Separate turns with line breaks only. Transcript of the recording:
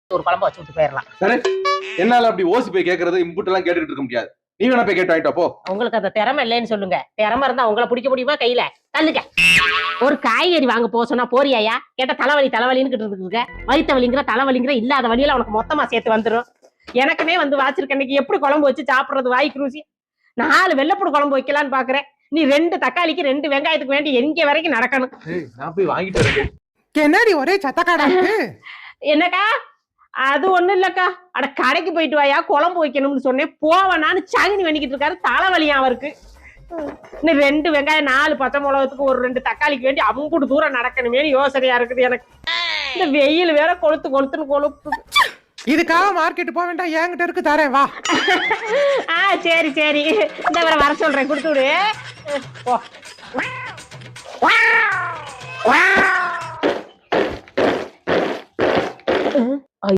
ஒரு குழம்பு வச்சு விட்டு போயிடலாம்.
சரி, என்னால அப்படி ஓசி போய் கேக்குறது இம்புட் எல்லாம் கேட்டுக்கிட்டு இருக்க முடியாது. நீ வேணா போய் கேட்டு வாங்கிட்டு போ.
உங்களுக்கு அந்த திறமை இல்லைன்னு சொல்லுங்க. திறமை இருந்தா உங்களை பிடிக்க முடியுமா கையில? தள்ளுங்க. ஒரு காய்கறி வாங்க போக சொன்னா போறியாயா? கேட்ட தலைவலின்னு இருக்க. வயிற்று வலிங்கிற தலைவலிங்கிற இல்லாத வழியில உனக்கு மொத்தமா சேர்த்து வந்துடும். எனக்குமே வந்து வாச்சிருக்க இன்னைக்கு எப்படி குழம்பு வச்சு சாப்பிடுறது வாய்க்கு ருசி. 4 வெள்ளைப்பூடு குழம்பு வைக்கலான்னு பாக்குறேன். நீ 2 தக்காளிக்கு 2 வெங்காயத்துக்கு வேண்டி எங்க வரைக்கும் நடக்கணும்.
நான் போய் வாங்கிட்டு வரேன்.
என்னடி ஒரே சத்தக்காடா இருக்கு?
என்னக்கா? அது ஒண்ணும் இல்லக்கா. அட கடைக்கு போயிட்டு வாயா குழம்பு வைக்கணும்னு சொன்னேன். போவனான்னு சகினி பண்ணிக்கிட்டு இருக்காரு. தலைவலியா அவருக்கு. இன்னும் 2 வெங்காயம் 4 பச்சை மிளகத்துக்கு ஒரு 2 தக்காளிக்கு வேண்டி அவங்க தூரம் நடக்கணுமே யோசனையா இருக்குது எனக்கு. இந்த வெயில் வேற கொளுத்துன்னு கொளுத்து.
இதுக்காக மார்க்கெட் போக வேண்டாம், என்கிட்ட இருக்கு தரேன் வா.
சரி இந்த வர சொல்றேன், கொடுத்து விடு.